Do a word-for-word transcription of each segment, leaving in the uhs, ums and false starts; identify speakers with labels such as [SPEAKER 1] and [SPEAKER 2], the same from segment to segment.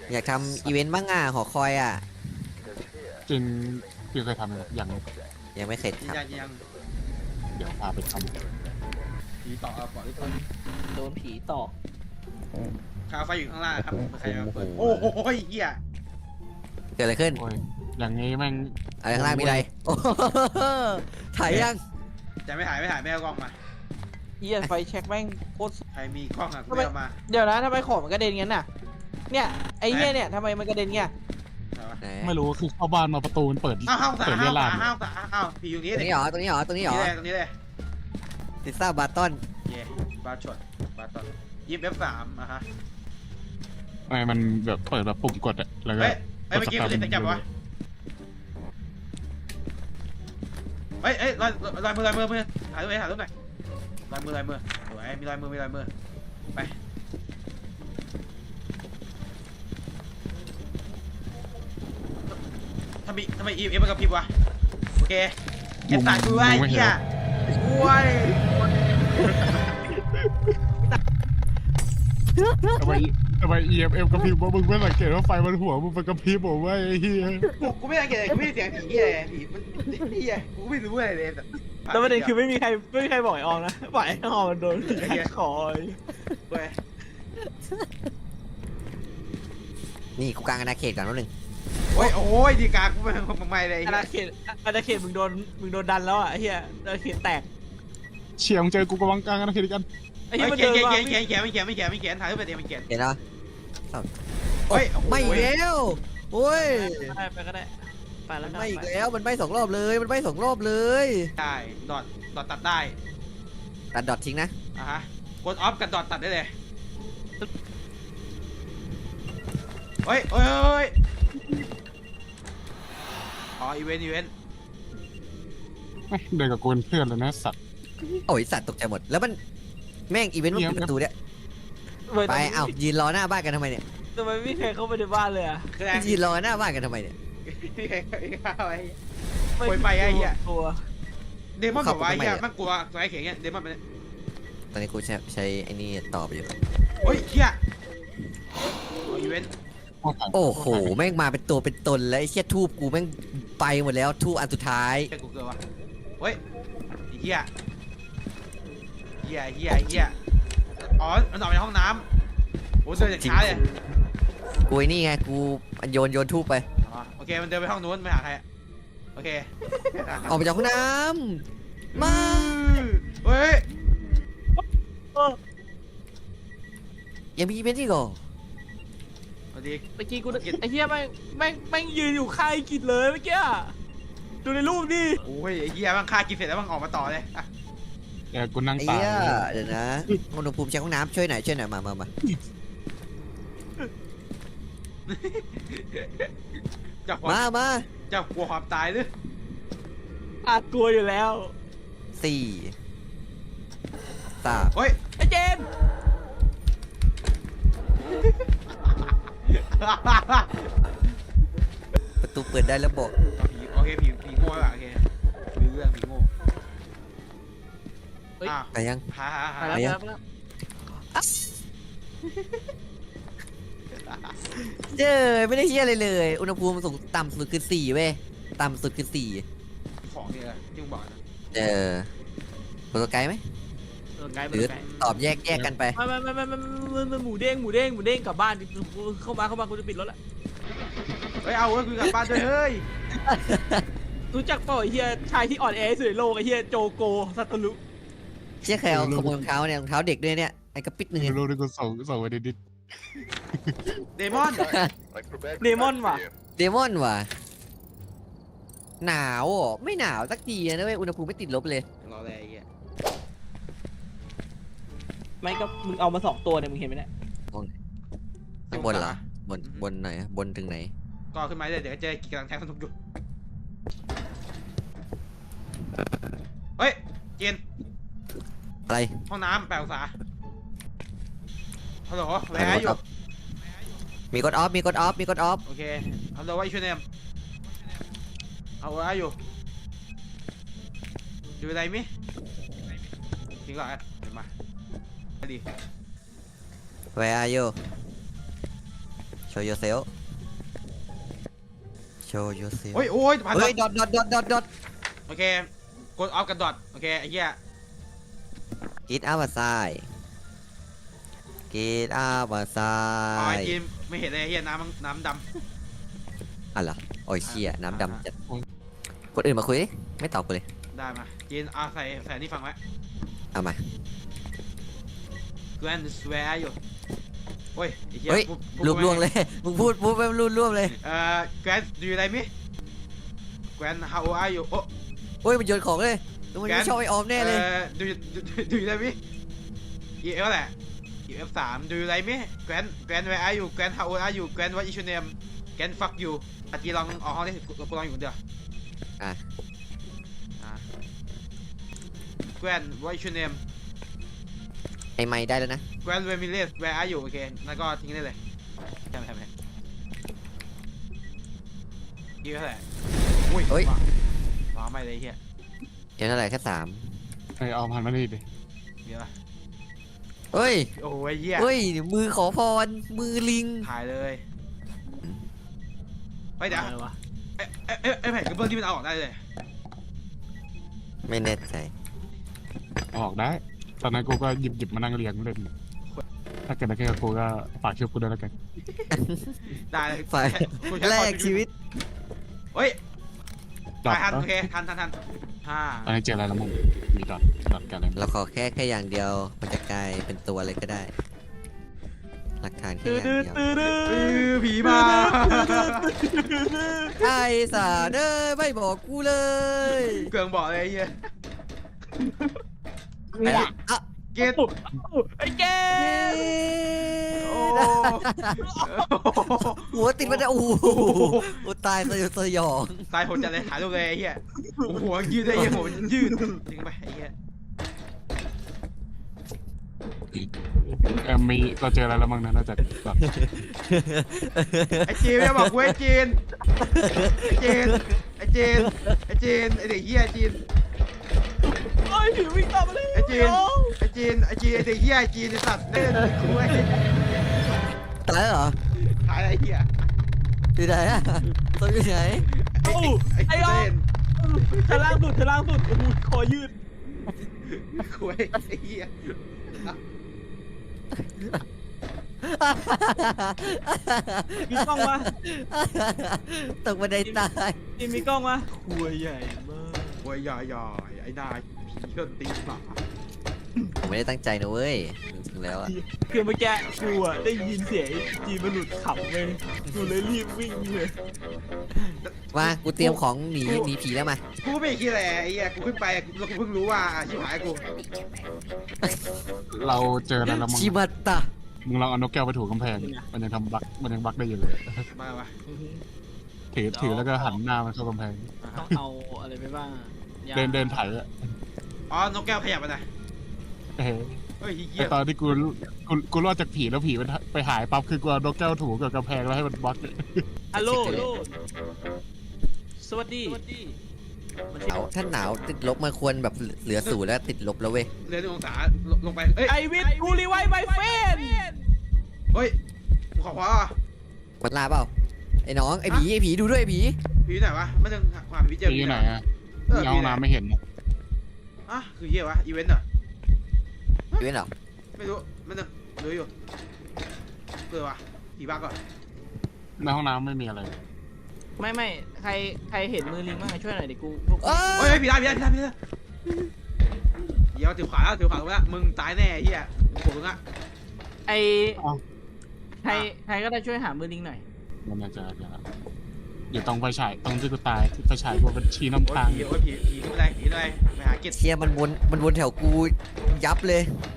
[SPEAKER 1] อยากทำอีเวนต์บ้างอ่ะหอคอยอ่ะ
[SPEAKER 2] จริงพี่เคยทำอย่างนี้
[SPEAKER 1] ยังไม่เสร็จ
[SPEAKER 3] ยื
[SPEAKER 1] คน รับ
[SPEAKER 3] ยันยัง
[SPEAKER 2] เดี๋ยวพาไปท
[SPEAKER 3] ผีต่อเอาปล่อยทุกคน
[SPEAKER 4] โดนผีตอก
[SPEAKER 3] คาไฟอยู่ข้างล่างครับใครมาเปิดโอ้โหเฮีย
[SPEAKER 1] เกิดอะไรขึ้น
[SPEAKER 2] ำโอ้ยอย่างนี้แม่ง
[SPEAKER 1] อะไรข้างล่างมีอะไรโอ้โหถ่ายยัง
[SPEAKER 3] จะไม่ถ่ายไม่ถ่ายไม่เอากล้องมา
[SPEAKER 4] เฮียไฟแช็กแม่งโคตร
[SPEAKER 3] ใครมีกล้องอ่ะกูไม่เอามา
[SPEAKER 4] เดี๋ยวนะทำไมของมันกระเด็นงั้นน่ะเนี่ยไอ้เฮียเนี่ยทำไมมันกระเด็นเงี้ย
[SPEAKER 1] ไหน
[SPEAKER 2] ไม่รู้คือเข้าบ้านมาประตูมันเปิด
[SPEAKER 3] อ้าวห้าวสา
[SPEAKER 2] เปิด
[SPEAKER 3] ห้า
[SPEAKER 2] เรียว ลา
[SPEAKER 3] สาน ห้าวสาห้าวผีอยู่
[SPEAKER 1] ต
[SPEAKER 3] นี้
[SPEAKER 1] รง
[SPEAKER 3] เลย
[SPEAKER 1] นี้เหรอตรงนี้เหรอตรงนี้เหรอ
[SPEAKER 3] ตรงนี้เลย
[SPEAKER 1] ซิซ่าบาร์ตอน
[SPEAKER 3] เย่บาร์ชดบาร์ตอนยิบเอฟสามอ่ะฮะ
[SPEAKER 2] ไม่มันแบบเปิดแบบปุ่มกดอะแล้วก็
[SPEAKER 3] เฮ้ยเฮ้ยเมื่อกี้มันจะจับวะเฮ้ยเฮ้ยลอยลอยมือลอยมือมือถ่ายรูปหน่อยถ่ายรูปหน่อยลอยมือลอยมือสวยมีลอยมือมีลอยมือไปทำไมทำไมอีเอ็มมันกระพริบวะโอเคเก็บสายกูไว้เฮียช่วย
[SPEAKER 2] ทำไมทำไม อี เอ็ม เอ็ม กระพริบว่ามึงไม่สังเกตว่าไฟมันหัวมึงเป็นกระพริบบอกว่าไอ้เหี้ย
[SPEAKER 3] กูกูไม่สังเกตเลยกูไม่ได้เสียงผีเฮียเลยผีมันเฮียกูไม่รู้อะไรเลยแต่
[SPEAKER 4] แล้วประเด็นคือไม่มีใครไม่มีใครบอกไอ้อองนะปล่อยไอ้อองมันโดนผีหักคอย
[SPEAKER 3] เว้ย
[SPEAKER 1] นี่กูกลางอาณาเขตก่อนแป๊บนึง
[SPEAKER 3] โอ้ยโอ้ยดีกากูไม่ไม่ไม่เลย
[SPEAKER 4] อาณาเขตอาณาเขตมึงโดนมึงโดนดันแล้วอ่ะไอ้เฮียอาณาเขตแตก
[SPEAKER 2] เฉียงเจอกูกำลังกลางกันนะคิดกัน
[SPEAKER 4] ไอ้
[SPEAKER 3] เขี
[SPEAKER 4] เฮี
[SPEAKER 3] ย
[SPEAKER 4] ย
[SPEAKER 3] น
[SPEAKER 4] มัน
[SPEAKER 3] เขี
[SPEAKER 4] เดิ
[SPEAKER 3] ยน
[SPEAKER 4] น
[SPEAKER 3] เขียน
[SPEAKER 4] มา
[SPEAKER 3] เขียนเขียนไม่เขียนไม่เขียนไม่เขียนไม่เขียนถ่ายรูปไปเดียวมันเขียน
[SPEAKER 1] เห็นแล้ว
[SPEAKER 3] เฮ้ย
[SPEAKER 1] ไม่อีกแล้วโอ้ย
[SPEAKER 4] ไปไปก็ได้ไปแล้
[SPEAKER 1] มั
[SPEAKER 4] วน
[SPEAKER 1] ไม่อีกแล้วมันไม่สองรอบเลยมันไม่สองรอบเลย
[SPEAKER 3] ได้ดอทดอทตัดได้
[SPEAKER 1] ตัดดอททิ้งนะ
[SPEAKER 3] อ่ะฮะกดออฟกับดอทตัดได้เลยเฮ้ยเฮ้ยเฮ้ยอ๋ออีเวนต์อีเวนต์
[SPEAKER 2] เดินกับกูเป็นเพื่อนเลยนะสัตว์
[SPEAKER 1] โอ้ยสัตว์ตกใจหมดแล้วมันแม่งอีเวนต์มันปิดประตูเนี่ย
[SPEAKER 4] เว้ย
[SPEAKER 1] ไปเอ้ายืนรอหน้าบ้านกันทำไมเนี่ย
[SPEAKER 4] ทำไมไม่มีใครเข้าไปในบ้านเลยอ่ะ
[SPEAKER 3] คือแรง
[SPEAKER 1] ยืนรอหน้าบ้านกันทำไมเนี่ย
[SPEAKER 3] พี่ใครเข้าไป
[SPEAKER 4] ม่
[SPEAKER 3] โวยไปไอ้เหี้ย
[SPEAKER 4] ตัว
[SPEAKER 3] เดมอนบอกว่าไอ้เหี้ยมันกลัวตัวไอ้เขียนเงี้ยเดมอนมัน
[SPEAKER 1] ตอนนี้กูใช้ใช้ไอ้นี่ต่อไปอยู่
[SPEAKER 3] เฮ้ยเหี้ยอีเวนต์
[SPEAKER 1] โอ้โหแม่งมาเป็นตัวเป็นตนแล้วไอ้เชี่ยทูบกูแม่งไปหมดแล้วทูบอันสุดท้าย
[SPEAKER 3] เหี้ยกูเกิดวะเฮ้ยเหี้ยเหี้ยเหี้ยเหี้ยอ๋อมันออกไปห้องน้ำโอ้เดินจากช้าเลย
[SPEAKER 1] กูไอ้นี่ไงกูโยนโยนทูบไป
[SPEAKER 3] อ๋อโอเคมันเดินไปห้องนู้นไม่หาใครอะโอเค
[SPEAKER 1] ออกไปจากห้องน้ำมา
[SPEAKER 3] เฮ้ย
[SPEAKER 4] เออ
[SPEAKER 1] ยังมีอีเวนต์อีกเหรอ
[SPEAKER 3] สวัสดี
[SPEAKER 4] เมื่อกี้กูไอ้เฮียแม่งแม่งแม่งยืนอยู่ข้างไอ้กิจเลยเมื่อกี้อะดูในรูปดิ
[SPEAKER 3] โอ้ยไอ้เหี้ยมันฆ่ากินเสร็จแล้วมันออกมาต่อเลยอะ
[SPEAKER 2] เดี๋ยวกูนั่ง
[SPEAKER 1] ไอ้
[SPEAKER 2] ตา
[SPEAKER 1] เหี้ยเดี๋ยวนะอุณหภูมิเช็คห้องน้ำช่วยหน่อยช่วยหน่อยมามามา
[SPEAKER 3] จับหัว
[SPEAKER 1] มามา
[SPEAKER 3] จับกลัวความตายหรือ
[SPEAKER 4] อาจกลัวอยู่แล้ว
[SPEAKER 1] สี่สาม
[SPEAKER 3] เฮ้ย
[SPEAKER 4] ไอ้เจมส์
[SPEAKER 1] ประตูเปิดได้แล้วบอก
[SPEAKER 3] ผีโอเคผีผีโง่ว่ะโอเคมีเรื่องผีโง่อ้าว
[SPEAKER 1] ไปยัง
[SPEAKER 3] ฮ่าฮ่า
[SPEAKER 4] ไป
[SPEAKER 3] ฮ่า
[SPEAKER 4] แล้ว
[SPEAKER 1] ไป
[SPEAKER 4] ไป
[SPEAKER 1] ยัง
[SPEAKER 4] แล้วไปแล้ว
[SPEAKER 1] เจ้ยไม่ได้เชี่ยอะไรเลย อุณหภูมิสูงต่ำสุดคือสี่เว้ยต่ำสุดคือสี่
[SPEAKER 3] ของนี่แหละที่มึงบอกนะ
[SPEAKER 1] เออโปรโตไกด์ไหม
[SPEAKER 4] เออไกล
[SPEAKER 1] ห
[SPEAKER 4] ไป
[SPEAKER 1] รือ
[SPEAKER 4] ไกล
[SPEAKER 1] ตอบแยกแยกกันไป
[SPEAKER 4] ไม่ไม่ไม่ไม่ไม่ไม่ไม่หมูเด้งหมูเด้งหมูเด้งกลับบ้านดิเข้ามาเข้ามากูจะปิดรถละ
[SPEAKER 3] เฮ้ยเอาเว้ยคุยกับบ้านด้วยเฮ้ย
[SPEAKER 4] รู้จักเปล่าไอ้เฮียชายที่อ่อนแอที่สุดในโลกไอ้เฮียโจโกซัตตลุ
[SPEAKER 1] เชี่ยใครเอาขโมยรองเท้าเนี่ยรองเท้าเด็กด้วยเนี่ยไอ้กระปิดหนึ่ง
[SPEAKER 2] ไม่
[SPEAKER 1] เนี่ย
[SPEAKER 2] รู้ดิกูส่งส่งไปดิด
[SPEAKER 3] เดมอน
[SPEAKER 4] เดมอนว่ะ
[SPEAKER 1] เดมอนว่ะหนาวอ่ะไม่หนาวสักทีนะเว้ยอุณหภูมิไม่ติดลบเลย
[SPEAKER 3] รออะไรไอ้เงี้ย
[SPEAKER 4] ไม่ก็มึงเอามาสองตัวเนี่ยมึงเห็นไหมเนี่ย
[SPEAKER 1] ข้างบนเหรอ บน บนไหนอะบนถึงไหน
[SPEAKER 3] ก็ขึ้นมาเลยเดี๋ยวเจอกำลังแทงสนุกอยู่เฮ้ยเจน
[SPEAKER 1] อะไร
[SPEAKER 3] ห้องน้ำแปดองศาฮัลโหลแวร์อยู่
[SPEAKER 1] มีกดออฟ มีกดออฟ มีกดออฟ
[SPEAKER 3] โอเคฮัลโหลว่าช่วยเนมเอาไว้อยู่อยู่ไหนมิทิ้งก่อนเดี๋ยวมาไปดี
[SPEAKER 1] Where are you show yourself show yourself
[SPEAKER 3] โอ้ยโอ้ยผ่าน
[SPEAKER 1] เฮ้ย ดอทดอทดอทดอทดอท
[SPEAKER 3] โอเคกดออฟกับดอทโอเคไอ้เหี้ย
[SPEAKER 1] get outside get
[SPEAKER 3] อ๋อไอ้
[SPEAKER 1] outside
[SPEAKER 3] จีนไม่เห็นเลยไอ้เหี้ยน้ำน้ำด
[SPEAKER 1] อ่ะเหรอโอ้ยเชี่ยน้ำ
[SPEAKER 3] อ่า
[SPEAKER 1] ดำจัดคนอื่นมาคุยดิไม่ตอบกูเลย
[SPEAKER 3] ำได้มาจีนเอาใส่ใส่นี่ฟังไว้
[SPEAKER 1] เอามา
[SPEAKER 3] Gwen swear อยู่โอ้ยไอ้เหี้ย
[SPEAKER 1] เฮ้ย
[SPEAKER 3] พูดพูด
[SPEAKER 1] รูปล่วงเลย มึงพูดพูดไปรูปล่วงเลย
[SPEAKER 3] เอ่อ Gwen do you like me Gwen how old are you โอ้
[SPEAKER 1] โอ้ยมันโยนของเลยแล้วมัน
[SPEAKER 3] แก
[SPEAKER 1] ไม่
[SPEAKER 3] น
[SPEAKER 1] ชอบไอออมแน่เลย
[SPEAKER 3] อ่อ do you do do you like me อีเอฟแหละอีเอฟสาม do you like me Gwen Gwen where are you Gwen how old are you Gwen what is your name Gwen fuck you อาจีลองออกห้องดิกูกูลองอยู่คนเดียว
[SPEAKER 1] อ่ะ
[SPEAKER 3] อ่ะ Gwen what is your name
[SPEAKER 1] ไอไม้ได้แล้วนะ
[SPEAKER 3] Gwen Ramirez where are you โอเคแล้วก็ทิ้งได้เลยใช่ไหมใช่ไหมอีเอฟเท่าไหร่อุ้ย
[SPEAKER 1] เฮ้ย
[SPEAKER 3] ว้าวว้าวไม่เลยเฮีย
[SPEAKER 1] เดี๋ยวเท่าไหร่แค่สาม
[SPEAKER 2] ไอ้เอาพันมานี่ดิ
[SPEAKER 3] เดี๋ยวนะ
[SPEAKER 1] เฮ้ย
[SPEAKER 3] โอ้ยเฮีย
[SPEAKER 1] เฮ้ยมือขอพรมือลิง
[SPEAKER 3] ถ่ายเลยเฮ้ยเดี๋ยว
[SPEAKER 4] อะไรวะ
[SPEAKER 3] ไอ้ไอ้ไอ้ไอ้แผ่นกระเบื้องที่มันเอาออกได้เลย
[SPEAKER 1] ไม่แน่ใจ
[SPEAKER 2] ออกได้ ตอนนั้นกูก็หยิบหยิบมานั่งเรียงเล่นถ้าเกิดอะไรขึ้นกับกูก็ฝากช่วยกูด้วยแล้วกัน
[SPEAKER 3] ได้เลย
[SPEAKER 1] ฝ่าย
[SPEAKER 3] กูใช้
[SPEAKER 1] แล
[SPEAKER 3] ความ
[SPEAKER 1] กชีวิต
[SPEAKER 3] เฮ้ย
[SPEAKER 2] ดอท
[SPEAKER 3] ถ่ายทัน
[SPEAKER 2] เอ้
[SPEAKER 3] โอย เคทันทันทันห้า
[SPEAKER 2] ตอนนี้เจออะไรแล้วมึงมีดอทดอทกันอะไรมั้ง
[SPEAKER 1] เราขอแค่แค่อย่างเดียวมันจะกลายเป็นตัวอะไรก็ได้หลักฐานแค่
[SPEAKER 4] ตื้
[SPEAKER 1] อ
[SPEAKER 4] อย่าง
[SPEAKER 1] เดียว
[SPEAKER 4] ตื้อตื้อ
[SPEAKER 3] เออผีมา
[SPEAKER 1] ไอ้สาเด้อไม่บอกกูเลย
[SPEAKER 3] เกืองบอกเลยไอ้เฮีย
[SPEAKER 1] ไอ้อะ
[SPEAKER 3] เกต
[SPEAKER 4] ไอ้แก
[SPEAKER 3] โอ้
[SPEAKER 1] หัวติดมันจะโอ้โหโอ้ตายสยดสยอง
[SPEAKER 3] ตายโหดจัดเลยถ่ายรูปเลยไอ้เฮียโอ้โหยืดได้ยังโหดยืดจริงไปไอ้เฮีย
[SPEAKER 2] เออมีเราเจออะไรแล้วมั้งนะนอกจากดอท
[SPEAKER 3] ไอ้จีนเนี่ยบอกกูไอ้จีนไอ้จีนไอ้จีนไอ้จีนไอ้เด็กเฮียจีน
[SPEAKER 4] ไอ้ผีวิ่งตามมาเลย
[SPEAKER 3] ไอ้จีนไอ้จีนไอ้จีนไอ้เด็กเฮียไอ้จีนไอ้สัตว์เล่นกูไอ้
[SPEAKER 1] ตายแล้วเหรอ
[SPEAKER 3] ถ่ายไอ้เฮีย
[SPEAKER 1] อยู่ไหนอะตัวอยู่ไหน
[SPEAKER 3] ไอ้
[SPEAKER 4] เอ้า
[SPEAKER 3] ไอ้
[SPEAKER 4] ไอ้
[SPEAKER 3] กู
[SPEAKER 4] ออ
[SPEAKER 3] เล่น
[SPEAKER 4] ชั้นล่างสุดชั้นล่างสุดโอ้โหคอยืด
[SPEAKER 3] กูไอ้เฮีย
[SPEAKER 4] มีกล้องวะ
[SPEAKER 1] ตกบันไดตาย
[SPEAKER 4] นี่มีกล้องวะหัวใหญ่มาก
[SPEAKER 3] โอ้ยอย่าอย่าไอ้นายผีก็ตีหมา
[SPEAKER 1] ผมไม่ได้ตั้งใจนะเว้ยจริงๆแล้วอะ
[SPEAKER 4] คือเมื่อกี้กูอะได้ยินเสียงไอ้จีนมันหลุดขำเลยกูเลยรีบวิ่งเลย
[SPEAKER 1] มากูเตรียมของหนีหนีผีแล้วมา
[SPEAKER 3] กูไม่คิดอะไรไอ้เหี้ยกูขึ้นไปแล้วกูเพิ่งรู้ว่าอาชีพหายกู
[SPEAKER 2] เราเจออะไรแล้วมั้ง
[SPEAKER 1] ชิบัตตะ
[SPEAKER 2] มึงลองเอานกแก้วไปถูกกำแพง มันยังทำบักมันยังบักได้อยู่เลย
[SPEAKER 3] มาปะ
[SPEAKER 2] ถือถือแล้วก็หันหน้ามันเข้ากำแพง
[SPEAKER 4] ต้องเอาอะไรไปบ้างยา
[SPEAKER 2] เดินเดินไถ่อะ
[SPEAKER 3] อ๋อนกแก้วขยับไปไหน
[SPEAKER 2] เอ้ย
[SPEAKER 3] เฮ้ยเหี้
[SPEAKER 2] ไอย ตอนที่กูกูกูรอดจากผีแล้วผีมันไปหายปั๊บคือกูเอานกแก้วถูกับกำแพงแล้วให้มันบัก
[SPEAKER 4] ฮัลโหลฮัลโหลสวัสดี
[SPEAKER 1] หนาวถ้าหนาวติดลบมันควรแบบเหลือศูนย์แล้วติดลบแล้วเว้ย
[SPEAKER 3] เรือนองศาลงไปเอ้ย
[SPEAKER 4] ไอวิทกูรีไวไมเฟน
[SPEAKER 3] เฮ้ยกูขอขวา
[SPEAKER 1] มันลาเปล่าไอ้น้องไอ้ผีไอ้ผีดูด้วยไอ้ผี
[SPEAKER 3] ผีไหนวะไม่ต้องความผีเจอ
[SPEAKER 2] ผีอยู่ไหนอะ
[SPEAKER 3] เออ
[SPEAKER 2] ในห้องน้ำไม่เห็นอะ
[SPEAKER 3] อ่ะคือเหี้ยวะอีเวนต์เหรอ
[SPEAKER 1] ดูเหรอ
[SPEAKER 3] ไม่รู้ไม่ต้องรู้อยู่เออวะผีบ้าก่อน
[SPEAKER 2] ในห้องน้ำไม่มีอะไร
[SPEAKER 4] ไม่ไม่ใครใครเห็นมือลิงบ้างช่วยหน่อยดิกูพวก
[SPEAKER 1] เอ้
[SPEAKER 3] เฮ้
[SPEAKER 1] ย
[SPEAKER 3] ยผีได้ผีได้ผีได้ผีได้เดี๋ยวถือขวาแล้วถือขวาแล้วมึงตายแน่เหี้ยกูมึงอะ
[SPEAKER 4] ไอ
[SPEAKER 2] อ้าว
[SPEAKER 4] ใครใครก็ได้ช่วยหามือลิงหน่อย
[SPEAKER 2] มันน่าจะเดี๋ยวนะอยู่ตรงไฟฉายตรงที่กูตายที่ไฟฉายกูเป็นชี้
[SPEAKER 3] โอ้
[SPEAKER 2] น้ำ
[SPEAKER 3] ย
[SPEAKER 2] ทาง
[SPEAKER 3] ผีโอ้ยผีผีไม่ได้ผีไม่ได้ไปหาเก็ต
[SPEAKER 1] เชียมันวนมันวนแถวกูยับเลย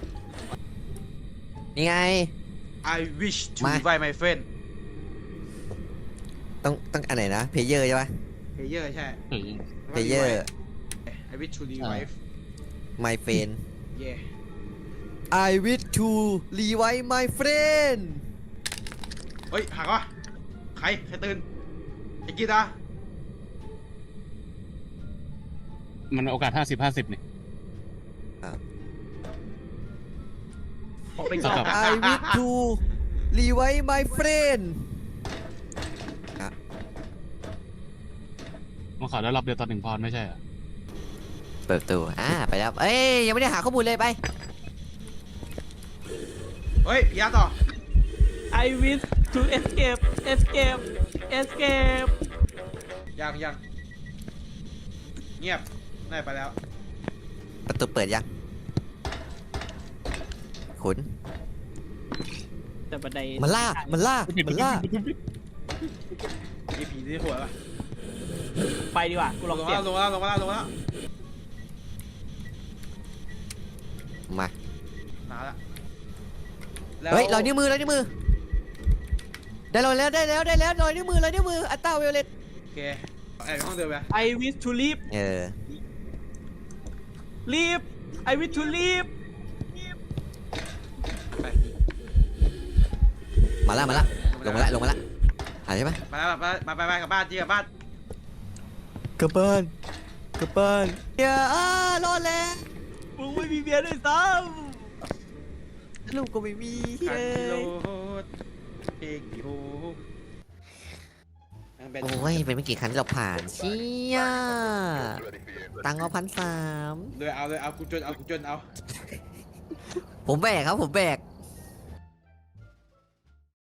[SPEAKER 1] นี่ไง
[SPEAKER 3] I wish to
[SPEAKER 1] มา
[SPEAKER 3] invite my friend
[SPEAKER 1] ต้องต้องอันไหนนะเพเยอร์ใช่ปะ
[SPEAKER 3] player ใช่
[SPEAKER 2] เฮ้ย
[SPEAKER 1] เพเยอร์
[SPEAKER 3] I wish to revive
[SPEAKER 1] my friend
[SPEAKER 3] yeah
[SPEAKER 1] I wish to revive my friend
[SPEAKER 3] เฮ้ยหักวะใครใครตื่นไอ้กีตาร์
[SPEAKER 2] มันโอกาสห้าสิบห้าสิบนี่
[SPEAKER 4] ออกไปก่อน
[SPEAKER 2] ครับ
[SPEAKER 1] I wish to revive my friend
[SPEAKER 2] มันขอได้รอบเดียวตอนหนึ่งพรไม่ใช่เหรอ
[SPEAKER 1] เปิดประตูอ่าไปแล้วเอ้ยยังไม่ได้หาข้อมูลเลยไป
[SPEAKER 3] เฮ้ยพี่อาร์ตต่อ
[SPEAKER 4] I wish to escape escape escape
[SPEAKER 3] ยังยังเงียบได้ไปแล้ว
[SPEAKER 1] ประตูเปิดยังขุน
[SPEAKER 4] แต่บันได
[SPEAKER 1] มันล่ามันล่ามันล่า
[SPEAKER 3] มีผีที่หัวป่ะ
[SPEAKER 4] ไปดีกว่ากูล
[SPEAKER 3] ล
[SPEAKER 4] อง
[SPEAKER 3] ง
[SPEAKER 4] เสีย
[SPEAKER 3] มาง แล้วลงมาแล้วลงมาแล้วลงมาแล้ว
[SPEAKER 1] มา
[SPEAKER 3] มาแล้ว
[SPEAKER 1] เฮ้ยรอยนิ้วมือรอยนิ้วมือได้รอยแล้วได้แล้วได้แล้วรอยนิ้วมือรอยนิ้วมืออัตตาเวลเลต
[SPEAKER 3] โอเคแอบห้องเดิมไป
[SPEAKER 4] I wish to leave
[SPEAKER 1] เออ
[SPEAKER 4] leave I wish to leave
[SPEAKER 3] ไป
[SPEAKER 1] มาละมาละลงมาละลงมาละหายใช่ไหม
[SPEAKER 3] มาแล้วมามาไปไปกับบ้านจีกับบ้าน
[SPEAKER 1] กระเปิ้ลกระเปิ้ลเดี๋ยวอ้ารอดแล้ว
[SPEAKER 4] มึงไม่มีเมียด้วยซ้
[SPEAKER 1] ลูกก็ไม่มี
[SPEAKER 3] คัน
[SPEAKER 1] เฮ้
[SPEAKER 3] กิโล
[SPEAKER 1] ย
[SPEAKER 3] เอกกิโลยังเป็น
[SPEAKER 1] โอ้ยเป็นไม่กี่ครั้งที่เราผ่านเชี่ยตังค์เอาพันสาม
[SPEAKER 3] เลยเอาเลยเอากูจนเอากูจนเอา
[SPEAKER 1] ผมแบกครับผมแบก